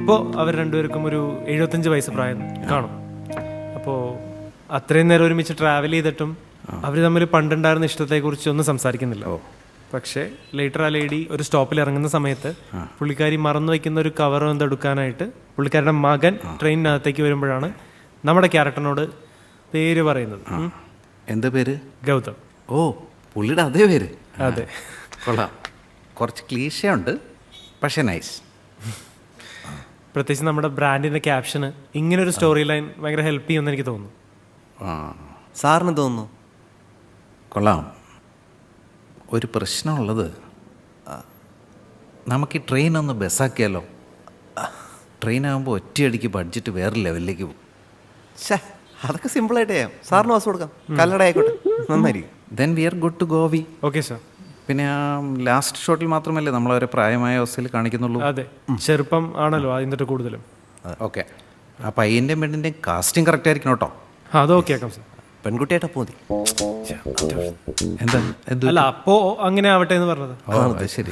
ഇപ്പോൾ അവർ രണ്ടുപേർക്കും ഒരു 75 വയസ്സ് പ്രായം കാണും. അപ്പോൾ അത്രയും നേരം ഒരുമിച്ച് ട്രാവൽ ചെയ്തിട്ടും അവർ തമ്മിൽ പണ്ടുണ്ടായിരുന്ന ഇഷ്ടത്തെക്കുറിച്ച് ഒന്നും സംസാരിക്കുന്നില്ല. പക്ഷേ ലേറ്റർ ആ ലേഡി ഒരു സ്റ്റോപ്പിൽ ഇറങ്ങുന്ന സമയത്ത് പുള്ളിക്കാരി മറന്നു വയ്ക്കുന്ന ഒരു കവർ എന്തെടുക്കാനായിട്ട് പുള്ളിക്കാരുടെ മകൻ ട്രെയിനിനകത്തേക്ക് വരുമ്പോഴാണ് നമ്മുടെ ക്യാരക്ടറിനോട് പേര് പറയുന്നത്. എന്താ പേര്? ഗൗതം. ഓ, പുള്ളിയുടെ അതേ പേര്. അതെ, കൊള്ളാം. കുറച്ച് ക്ലീശയുണ്ട്, പക്ഷേ നൈസ്. പ്രത്യേകിച്ച് നമ്മുടെ ബ്രാൻഡിൻ്റെ ക്യാപ്ഷന് ഇങ്ങനൊരു സ്റ്റോറി ലൈൻ ഭയങ്കര ഹെൽപ്പ് ചെയ്യുമെന്ന് എനിക്ക് തോന്നുന്നു. സാറിന് തോന്നുന്നു? കൊള്ളാം. ഒരു പ്രശ്നമുള്ളത്, നമുക്ക് ഈ ട്രെയിൻ ഒന്ന് ബസ്സാക്കിയാലോ? ട്രെയിനാകുമ്പോൾ ഒറ്റയടിക്ക് ബഡ്ജറ്റ് വേറെ ലെവലിലേക്ക് പോകും. ഷേ, അതൊക്കെ സിമ്പിളായിട്ട് ചെയ്യാം. സാറിന് വാസ് കൊടുക്കാം, കല്ലട ആയിക്കോട്ടെ, നന്നായിരിക്കും. Then we are good to go. We okay sir. പിന്നെ ആ ലാസ്റ്റ് ഷോട്ടിൽ മാത്രമല്ലേ നമ്മളവരെ പ്രായമായ അവസ്ഥയിൽ കാണിക്കുന്നുള്ളൂ? അതെ, ചെറുപ്പം ആണല്ലോ അതിൻ്റെ കൂടുതലും. ഓക്കെ, ആ പയ്യൻ്റെയും പെണ്ണിൻ്റെയും കാസ്റ്റിംഗ് കറക്റ്റ് ആയിരിക്കണം കേട്ടോ. അത് ഓക്കെ ആക്കാം സാർ. പെൺകുട്ടിയായിട്ട് അപ്പോൾ മതി. എന്താ അല്ല, അപ്പോൾ അങ്ങനെ ആവട്ടെ എന്ന് പറഞ്ഞത്. ഓ, അത് ശരി.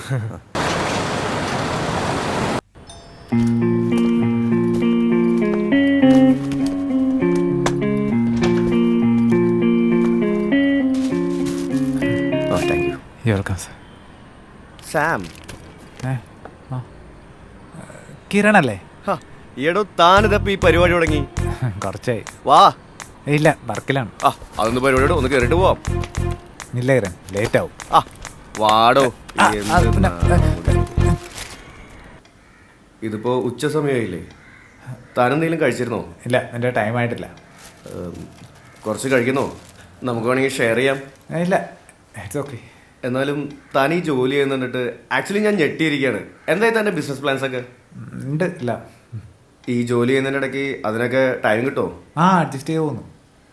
Welcome sir. സാം, കിരണല്ലേ? ഈടോ താനിതപ്പോ ഈ പരിപാടി തുടങ്ങി? കുറച്ചായി. വാ. ഇല്ല, വർക്കിലാണ്. അതൊന്ന് പരിപാടിയോട് ഒന്ന് കേറിട്ട് പോവാം. ഇല്ല കിരൺ, ലേറ്റ് ആവും. വാടോ. ഇതിപ്പോ ഉച്ച സമയമായില്ലേ? താനെന്തെങ്കിലും കഴിച്ചിരുന്നോ? ഇല്ല, എൻ്റെ ടൈം ആയിട്ടില്ല. കുറച്ച് കഴിക്കുന്നോ? നമുക്ക് വേണമെങ്കിൽ ഷെയർ ചെയ്യാം. ഇല്ല, ഇറ്റ്സ് ഓക്കെ. എന്നാലും താൻ ഈ ജോലി ചെയ്യുന്നിട്ട് ആക്ച്വലി ഞാൻ ഞെട്ടിയിരിക്കുകയാണ്. എന്തായി തൻ്റെ ബിസിനസ് പ്ലാൻസ് ഒക്കെ? ഉണ്ട്. ഇല്ല, ഈ ജോലി ചെയ്യുന്നതിൻ്റെ ഇടയ്ക്ക് അതിനൊക്കെ ടൈം കിട്ടുമോ? അഡ്ജസ്റ്റ് ചെയ്ത് പോകുന്നു.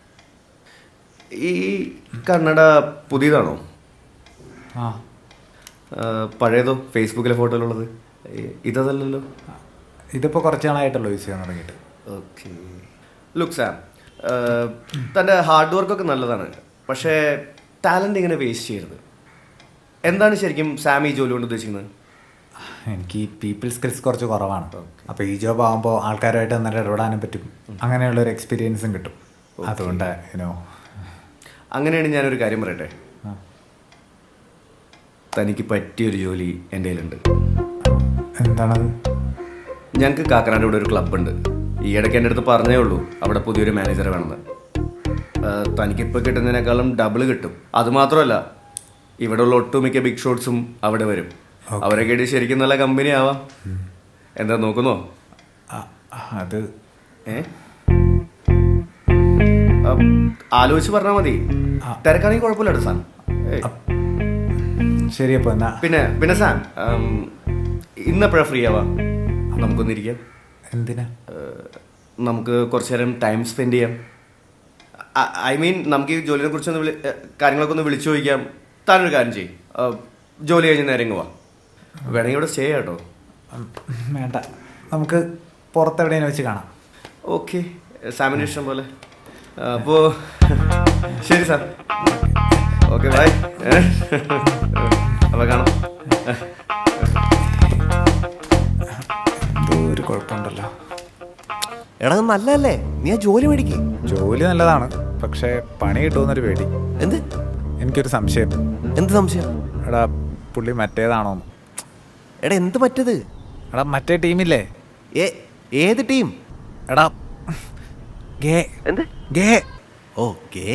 ഈ കന്നഡ പുതിയതാണോ? പഴയതോ? ഫേസ്ബുക്കിലെ ഫോട്ടോയിലുള്ളത് ഇതല്ലല്ലോ. ഇതിപ്പോൾ കുറച്ച് നാളായിട്ടുള്ളൂ യൂസ് ചെയ്യാൻ തുടങ്ങിയിട്ട്. ഓക്കെ. ലുക്ക് സാം, തൻ്റെ ഹാർഡ് വർക്കൊക്കെ നല്ലതാണ്, പക്ഷേ ടാലൻ്റ് ഇങ്ങനെ വേസ്റ്റ് ചെയ്യരുത്. എന്താണ് ശരിക്കും സാം ഈ ജോലി കൊണ്ട് ഉദ്ദേശിക്കുന്നത്? എനിക്ക് ഈ പീപ്പിൾ സ്കിൽസ് കുറച്ച് കുറവാണ്. അപ്പോൾ ഈ ജോബ് ആകുമ്പോൾ ആൾക്കാരുമായിട്ട് നന്നായിട്ട് ഇടപെടാനും പറ്റും, അങ്ങനെയുള്ളൊരു എക്സ്പീരിയൻസും കിട്ടും. അതുകൊണ്ട് അങ്ങനെയാണ് ഞാനൊരു കാര്യം പറയട്ടെ. തനിക്ക് പറ്റിയൊരു ജോലി എൻ്റെ കയ്യിലുണ്ട്. എന്താണത്? ഞങ്ങൾക്ക് കാക്കനാട് ഇവിടെ ഒരു ക്ലബ്ബുണ്ട്. ഈ ഇടയ്ക്ക് എൻ്റെ അടുത്ത് പറഞ്ഞേ ഉള്ളൂ അവിടെ പുതിയൊരു മാനേജറെ വേണമെന്ന്. തനിക്കിപ്പോൾ കിട്ടുന്നതിനേക്കാളും ഡബിൾ കിട്ടും. അതുമാത്രമല്ല, ഇവിടെയുള്ള ഒട്ടുമിക്ക ബിഗ് ഷോട്ട്സും അവിടെ വരും. അവരെ കേട്ട് ശരിക്കും നല്ല കമ്പനി ആവാം. എന്താ നോക്കുന്നോ? അത് ആലോചിച്ച് പറഞ്ഞാൽ മതി. തിരക്കാണെങ്കിൽ കുഴപ്പമില്ല സാൻ. ശരി. അപ്പോൾ എന്നാ പിന്നെ സാൻ, ഇന്നെപ്പോഴാണ് ഫ്രീ ആവാ? നമുക്കൊന്നിരിക്കാം. എന്തിനാ? നമുക്ക് കുറച്ചു നേരം ടൈം സ്പെൻഡ് ചെയ്യാം. ഐ മീൻ, നമുക്ക് ഈ ജോലിനെ കുറിച്ചൊന്ന് കാര്യങ്ങളൊക്കെ ഒന്ന് വിളിച്ചു ചോദിക്കാം. താനൊരു കാര്യം ചെയ്യും, ജോലി കഴിഞ്ഞ് നേരെ ഇങ്ങ് വാ. വേണമെങ്കിൽ ഇവിടെ സ്റ്റേ കേട്ടോ. വേണ്ട, നമുക്ക് പുറത്തെവിടെയും വെച്ച് കാണാം. ഓക്കെ, സാമിൻ്റെ ഇഷ്ടം പോലെ. അപ്പോൾ ശരി സാർ. Okay, by. അപ്പോൾ കാണാം. എന്തോ ഒരു കുഴപ്പമുണ്ടല്ലോ. എടാ, നല്ലതല്ലേ? നീ ആ ജോലി മേടിക്കേ. ജോലി നല്ലതാണ്, പക്ഷേ പണി കിട്ടുമെന്നൊരു പേടി. എന്ത്? എനിക്കൊരു സംശയം. എന്ത് സംശയം? എടാ, പുള്ളി മറ്റേതാണോന്ന്. എടാ, എന്ത് പറ്റത്? എടാ, മറ്റേ ടീമില്ലേ? ഏത് ടീം? എടാ, ഗേ. എന്ത് ഗേ? ഓ, ഗേ.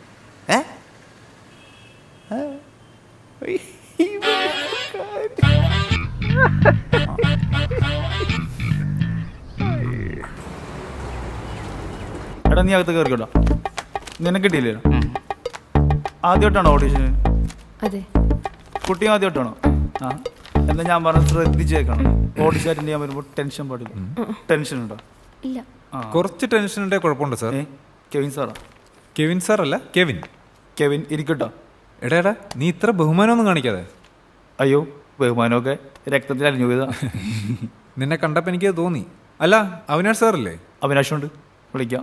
എടാ, നീ അകത്ത് കയറിക്കോട്ടോ. നിനക്ക് കിട്ടിയില്ലല്ലോ. ആദ്യമായിട്ടാണോ ഓഡീഷന്? അതെ. കുട്ടിയും ആദ്യമായിട്ടാണോ? എന്നാൽ ഞാൻ പറഞ്ഞത് ശ്രദ്ധിച്ചേക്കണം. ഓഡിഷൻ അറ്റൻഡ് ചെയ്യാൻ വരുമ്പോൾ ടെൻഷൻ പാടില്ല. ടെൻഷൻ ഉണ്ടോ? ഇല്ല. കുറച്ച് ടെൻഷൻ ഉണ്ടെങ്കിൽ കുഴപ്പമുണ്ട് സാർ. കെവിൻ സാറാ? കെവിൻ സാർ അല്ല, കെവിൻ. കെവിൻ ഇരിക്കട്ടോ. എടാ, നീ ഇത്ര ബഹുമാനമൊന്നും കാണിക്കാതെ. അയ്യോ, ബഹുമാനമൊക്കെ രക്തത്തിൽ അലിഞ്ഞു പോയതാ. നിന്നെ കണ്ടപ്പോൾ എനിക്ക് തോന്നി. അല്ല, അവിനാഷ് സാറല്ലേ? അവിനാഷുണ്ട്, വിളിക്കാം.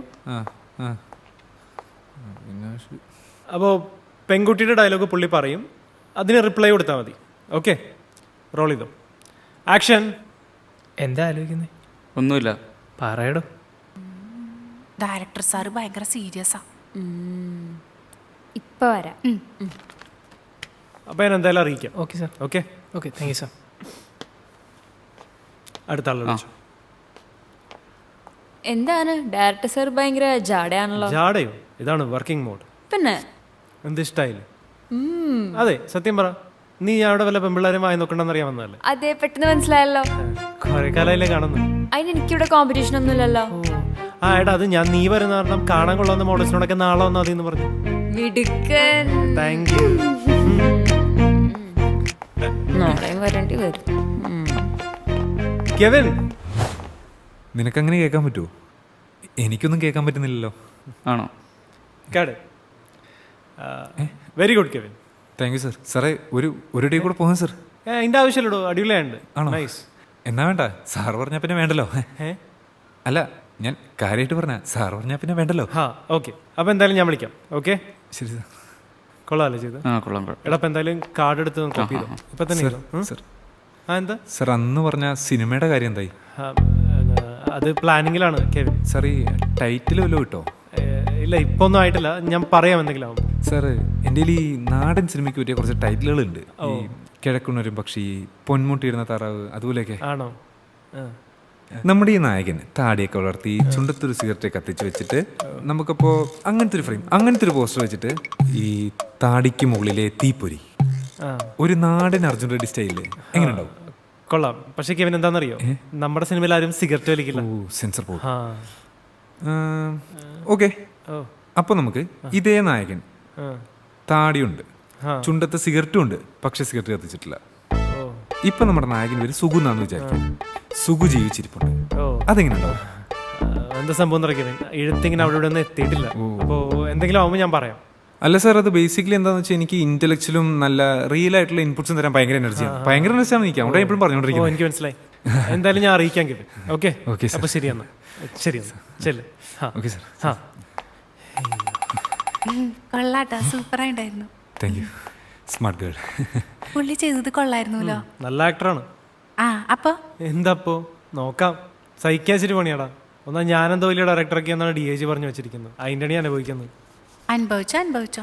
അപ്പോൾ പെൺകുട്ടിയുടെ ഡയലോഗ് പുള്ളി പറയും, അതിന് റിപ്ലൈ കൊടുത്താൽ മതി. ഓക്കെ, റോൾ ചെയ്തോ. ആക്ഷൻ. എന്താ ആലോചിക്കുന്നത്? ഒന്നുമില്ല. പറയടോ. ഡയറക്ടർ സാറ് ഭയങ്കര സീരിയസാ. ഇപ്പൊ വരാം. അപ്പോൾ ഞാൻ എന്തായാലും അറിയിക്കാം. Okay sir. Okay, okay, thank you sir. അടുത്ത ആളെ വിളിച്ചു. എന്താണ് ഡയറക്ടർ സാർ ഭയങ്കര ജാടയാണല്ലോ. ജാടയോ? ഇതാണ് വർക്കിംഗ് മോഡ്. പിന്നെ എന്ത് ഇഷ്ടായില്ലേ? അതെ, സത്യം പറ, നീ അവിടെ വല്ല പെമ്പിള്ളേരും വായി നോക്കണ്ടെന്ന് അറിയാൻ വന്നതല്ലേ? അതെ, പെട്ടെന്ന് മനസ്സിലായല്ലോ. കുറെ കാലയില്ലേ കാണുന്നു. അതിന് എനിക്കിവിടെ കോമ്പറ്റീഷൻ ഒന്നുമില്ലല്ലോ. ആ എടാ, അത് ഞാൻ നീ വരുന്ന കാരണം കാണാൻ കൊള്ളാവുന്ന മോഡൽസിനോടൊക്കെ നാളെ വന്നാൽ മതി എന്ന് പറഞ്ഞു. മിടുക്കൻ. Thank you. നാളെയും വരേണ്ടി വരും. കെവിൻ, നിനക്കങ്ങനെ കേൾക്കാൻ പറ്റുമോ? എനിക്കൊന്നും കേൾക്കാൻ പറ്റുന്നില്ലല്ലോ. ആണോ? കേട്. Very good Kevin. Thank you sir. സാറേ, ഒരു ഡേ കൂടെ പോകാം സാർ. അതിൻ്റെ ആവശ്യമില്ലടോ, അടിപൊളിയായുണ്ട്. ആണോ? നൈസ്. എന്നാ വേണ്ട, സാർ പറഞ്ഞാൽ പിന്നെ വേണ്ടല്ലോ. അല്ല, ഞാൻ കാര്യമായിട്ട് പറഞ്ഞ, സാർ പറഞ്ഞാൽ പിന്നെ വേണ്ടല്ലോ. ആ ഓക്കെ, അപ്പോൾ എന്തായാലും ഞാൻ വിളിക്കാം. ഓക്കെ, ശരി സാർ. കൊള്ളാമല്ലേ ചെയ്ത്? ആ, കൊള്ളാം. എടാ, അപ്പം എന്തായാലും കാർഡ് എടുത്ത് കോപ്പി ചെയ്തോ ഇപ്പം തന്നെ ചെയ്തോ. സാർ, ആ എന്താ സാർ അന്ന് പറഞ്ഞ സിനിമയുടെ കാര്യം എന്തായി? ആ, അത് പ്ലാനിങ്ങിലാണ് കെവിൻ. സാർ ഈ ടൈറ്റിൽ വല്ലതും കിട്ടോ? ഇല്ല, ഇപ്പോൾ ഒന്നും ആയിട്ടില്ല. ഞാൻ പറയാം എന്തെങ്കിലും ആവും. സാർ, എൻ്റെ ഈ നാടൻ സിനിമയ്ക്ക് പറ്റിയ കുറച്ച് ടൈറ്റിലുകളുണ്ട്. ഈ കിഴക്കുന്നൊരു പക്ഷി, പൊന്മുട്ടിയിരുന്ന താറാവ്, അതുപോലെയൊക്കെ. ആണോ? നമ്മുടെ ഈ നായകൻ താടിയൊക്കെ വളർത്തി ചുണ്ടത്തൊരു സിഗരറ്റ് കത്തിച്ച് വെച്ചിട്ട് നമുക്കപ്പോൾ അങ്ങനത്തെ ഒരു ഫ്രെയിം, അങ്ങനത്തെ ഒരു പോസ്റ്റർ വെച്ചിട്ട് ഈ താടിക്ക് മുകളിലെ തീപ്പൊരി, ഒരു നാടൻ അർജുൻ റെഡ്ഡി സ്റ്റൈലില് എങ്ങനെ ഉണ്ടാവും? കൊള്ളാം. പക്ഷേ കെവിൻ എന്താണെന്നറിയോ, നമ്മുടെ സിനിമയിൽ ആരും സിഗരറ്റ് വലിക്കില്ല. ഓ, സെൻസർ പോകും. ആ ഓക്കെ, അപ്പോൾ നമുക്ക് ഇതേ നായകൻ, താടിയുണ്ട്, ചുണ്ടത്ത് സിഗരറ്റും ഉണ്ട്, പക്ഷെ സിഗരറ്റ് കത്തിച്ചിട്ടില്ല. ഇപ്പൊ നമ്മുടെ നായകൻ പേര് സുഗു എന്നാന്ന് വിചാരിക്കും. സുഗു ജീവിച്ചിരിപ്പുണ്ട്. അതെങ്ങനെ ഉണ്ടാവും? എന്താ സംഭവം കെവിൻ, എഴുത്തിങ്ങനെ അവിടെ ഇവിടെ ഒന്നും എത്തിയിട്ടില്ല. അപ്പോൾ എന്തെങ്കിലും ആവുമ്പോൾ ഞാൻ പറയാം. അല്ല സാർ, അത് ബേസിക്കലി എന്താണെന്ന് വെച്ചാൽ എനിക്ക് ഇന്റലക്ച്വലും നല്ല റിയൽ ആയിട്ടുള്ള ഇൻപുട്സും തരാൻ ഭയങ്കര എനർജിയാണ്. ഭയങ്കര എനർജിയാണ് എനിക്ക്. അവിടെ എപ്പോഴും പറഞ്ഞുകൊണ്ടിരിക്കുന്നത്. എനിക്ക് മനസ്സിലായി. എന്തായാലും ഞാൻ അറിയിക്കാൻ കെവിൻ. Okay okay sir. അപ്പോൾ ശരി എന്നാ. ശരി എന്നാ, ചെല്ല്. Okay sir. ആ കൊള്ളാട്ടോ, സൂപ്പറായിട്ടായിരുന്നു. Thank you. Smart girl. പുള്ളി ചെയ്തത് കൊള്ളായിരുന്നല്ലോ. നല്ല ആക്ടറാണ്. ആ, അപ്പൊ എന്താപ്പോ നോക്കാം. സഹിക്കാച്ചിട്ട് പണിയാടാ. ഒന്നാ ഞാനെന്തോ വലിയ ഡയറക്ടറൊക്കെ എന്നാണ് DIG പറഞ്ഞു വെച്ചിരിക്കുന്നത്. അതിൻ്റെ ഞാൻ അനുഭവിക്കുന്നത്. അനുഭവിച്ചോ.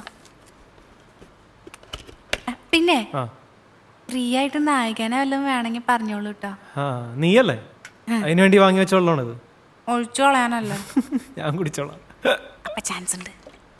പിന്നെ ഫ്രീ ആയിട്ട് നായകനെ വല്ലതും വേണമെങ്കിൽ പറഞ്ഞോളൂ കേട്ടോ. ആ നീയല്ലേ അതിനു വേണ്ടി വാങ്ങി വെച്ചോളാണിത്. ഒഴിച്ചു കളയാനല്ലോ. ഞാൻ കുടിച്ചോളാം. അപ്പൊ ചാൻസ് ഉണ്ട്.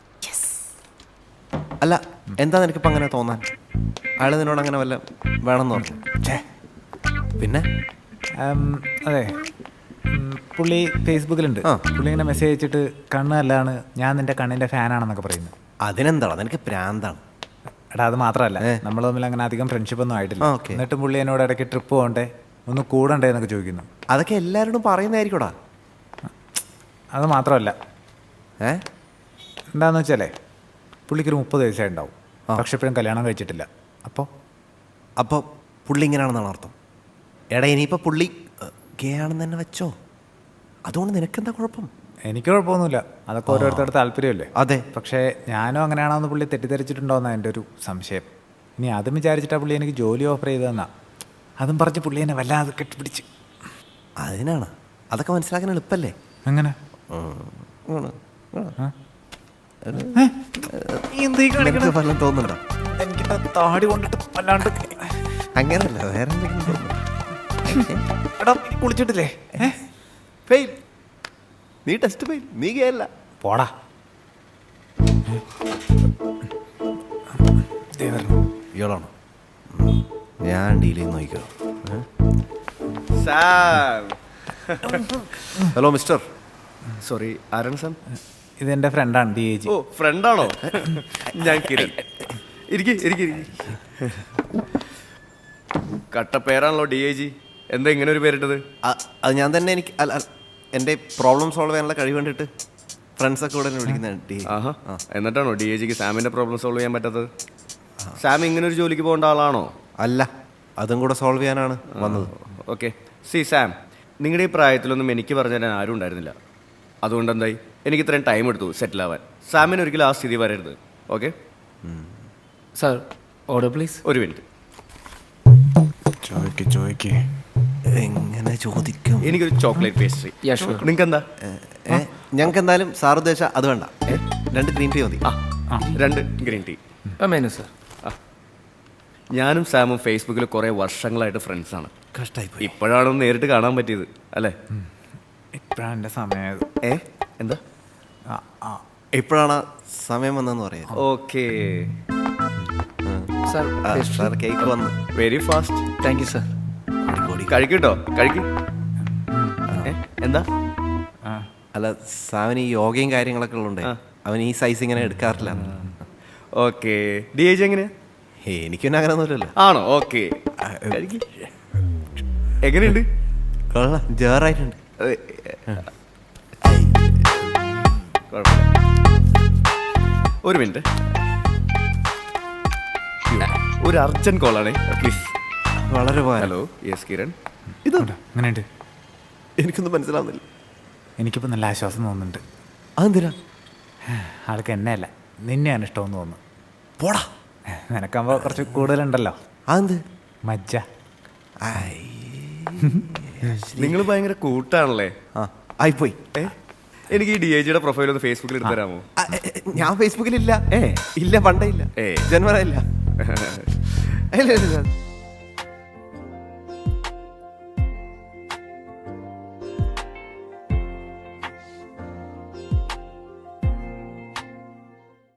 അല്ല, എന്താ നിനക്കിപ്പോൾ അങ്ങനെ തോന്നാൻ? അയാൾ നിന്നോട് അങ്ങനെ വല്ല വേണമെന്ന് പറഞ്ഞു? പിന്നെ അതെ, പുള്ളി ഫേസ്ബുക്കിലുണ്ട്. പുള്ളി ഇങ്ങനെ മെസ്സേജ് അയച്ചിട്ട് കണ്ണ് നല്ലതാണ്, ഞാൻ നിന്റെ കണ്ണിൻ്റെ ഫാനാണെന്നൊക്കെ പറയുന്നത്. അതിനെന്താണോ, നിനക്ക് പ്രാന്താണ്. എടാ, അത് മാത്രമല്ല, നമ്മൾ തമ്മിൽ അങ്ങനെ അധികം ഫ്രണ്ട്ഷിപ്പ് ഒന്നും ആയിട്ടില്ല. എന്നിട്ടും പുള്ളി എന്നോട് ഇടയ്ക്ക് ട്രിപ്പ് പോകണ്ടേ, ഒന്ന് കൂടണ്ടേ എന്നൊക്കെ ചോദിക്കുന്നു. അതൊക്കെ എല്ലാവരോടും പറയുന്നതായിരിക്കൂടാ. അത് മാത്രമല്ല, എന്താന്ന് വെച്ചാലേ പുള്ളിക്കൊരു 30 വയസ്സേ ഉണ്ടാവും, പക്ഷെ ഇപ്പോഴും കല്യാണം കഴിച്ചിട്ടില്ല. അപ്പോൾ പുള്ളി ഇങ്ങനെയാണെന്നാണ് അർത്ഥം? എടാ, ഇനിയിപ്പോൾ പുള്ളി ഗേ ആണെന്ന് തന്നെ വെച്ചോ. അതുകൊണ്ട് നിനക്കെന്താ കുഴപ്പം? എനിക്ക് കുഴപ്പമൊന്നുമില്ല, അതൊക്കെ ഓരോരുത്തരുടെ താല്പര്യമല്ലേ. അതെ, പക്ഷേ ഞാനും അങ്ങനെയാണോന്ന് പുള്ളി തെറ്റിദ്ധരിച്ചിട്ടുണ്ടോയെന്നാണ് എൻ്റെ ഒരു സംശയം. ഇനി അതും വിചാരിച്ചിട്ടാ പുള്ളി എനിക്ക് ജോലി ഓഫർ ചെയ്തതെന്നാ. അതും പറഞ്ഞ് പുള്ളി എന്നെ വല്ലാതെ കെട്ടിപ്പിടിച്ച്. അതിനാണ് അതൊക്കെ മനസ്സിലാക്കാൻ എളുപ്പല്ലേ? അങ്ങനെ ഫലം തോന്നുന്നുണ്ടോ? എനിക്ക് താടി കൊണ്ടിട്ട് വല്ലാണ്ട്. അങ്ങനല്ല, വേറെ എന്തെങ്കിലും തോന്നുന്നു. എടാ, കുളിച്ചിട്ടില്ലേ? ഫെയിൽ. നീ ടെസ്റ്റ് ഫെയിൽ. നീ കേല്ല. പോടാ. ഇയാളാണോ? ഞാൻ ഡീൽ ചെയ്ത് നോക്കിക്കോ. Hello mister. സോറി, ആരാണ് സാം? ഇതെൻ്റെ ഫ്രണ്ടാണ് DIG. ഓ, ഫ്രണ്ടാണോ? ഞാൻ കിരൺ. ഇരിക്കി. കട്ട പേരാണല്ലോ DIG. എന്താ ഇങ്ങനെ ഒരു പേരിട്ടത്? അത് ഞാൻ തന്നെ. എനിക്ക് എൻ്റെ പ്രോബ്ലം സോൾവ് ചെയ്യാനുള്ള കഴിവ് കണ്ടിട്ട് ഫ്രണ്ട്സൊക്കെ കൂടെ വിളിക്കുന്നത്. ആഹാ, എന്നിട്ടാണോ DIGക്ക് സാമിൻ്റെ പ്രോബ്ലം സോൾവ് ചെയ്യാൻ പറ്റാത്തത്? സാം ഇങ്ങനെ ഒരു ജോലിക്ക് പോകേണ്ട ആളാണോ? അല്ല, അതും കൂടെ സോൾവ് ചെയ്യാനാണ് വന്നത്. ഓക്കെ, സാം, നിങ്ങളുടെ ഈ പ്രായത്തിലൊന്നും എനിക്ക് പറഞ്ഞു തരാൻ ആരും ഉണ്ടായിരുന്നില്ല. അതുകൊണ്ട് എന്തായി, എനിക്ക് ഇത്രയും ടൈം എടുത്തു സെറ്റിൽ ആവാൻ. സാമിന് ഒരിക്കലും ആ സ്ഥിതി വരരുത്. Okay sir, order please. ഒരു മിനിറ്റ്. ചോദിക്ക്. എങ്ങനെ ചോദിക്കും? എനിക്കൊരു ചോക്ലേറ്റ് പേസ്ട്രി. നിങ്ങൾക്ക് എന്താ? ഞങ്ങൾക്ക് എന്തായാലും സാർ ഉദ്ദേശിച്ച അത് വേണ്ട. 2 ഗ്രീൻ ടീ മതി. 2 ഗ്രീൻ ടീ. Menu sir. ഞാനും സാമും ഫേസ്ബുക്കിൽ കുറേ വർഷങ്ങളായിട്ട് ഫ്രണ്ട്സാണ്. കഷ്ടായിപ്പോയി. ഇപ്പോഴാണ് ഒന്ന് നേരിട്ട് കാണാൻ പറ്റിയത് അല്ലേ? ഇപ്പോഴാണ് എൻ്റെ സമയം. എന്താ ഇപ്പോഴാണ് സമയം വന്നതെന്ന് പറയാം. ഓക്കെ. സാർ കേക്ക് വന്ന്. Very fast. Thank you sir. കഴിക്കട്ടോ കഴിക്കും. എന്താ? അല്ല, സാവന് ഈ യോഗയും കാര്യങ്ങളൊക്കെ ഉള്ളതുകൊണ്ട് അവൻ ഈ സൈസ് ഇങ്ങനെ എടുക്കാറില്ല. ഓക്കെ. ഡി ഏജ് എങ്ങനെയാ? എനിക്ക് പിന്നെ അങ്ങനെ ഒന്നുമില്ലല്ലോ. ആണോ? ഓക്കെ. എങ്ങനെയുണ്ട്? കൊള്ളാം, ജേറായിട്ടുണ്ട്. ഒരു മിനിറ്റ്, ഒരു അർജന്റ് കോളാണേ പ്ലീസ്. വളരെ പോയാലോ? Hello, yes Kiran. ഇതുണ്ട്. അങ്ങനെയുണ്ട്. എനിക്കൊന്നും മനസ്സിലാവുന്നില്ല. എനിക്കിപ്പോൾ നല്ല ആശ്വാസം തോന്നുന്നുണ്ട്. അതെന്തിനാ? ആൾക്ക് എന്നെ അല്ല നിന്നെയാണ് ഇഷ്ടമെന്ന് തോന്നുന്നു. പോടാ. നിനക്കാകുമ്പോൾ കുറച്ച് കൂടുതലുണ്ടല്ലോ. അതെന്ത്? മജ്ജ. നിങ്ങൾ ഭയങ്കര കൂട്ടാണല്ലേ. ആയിപ്പോയി. എനിക്ക് ഈ ഡി ഐ ജിയുടെ പ്രൊഫൈൽ ഒന്ന് ഫേസ്ബുക്കിൽ എടുത്ത് തരാമോ? ഞാൻ ഫേസ്ബുക്കിലില്ല. ഇല്ല, പണ്ടേ ഇല്ല, ജന്മന ഇല്ല.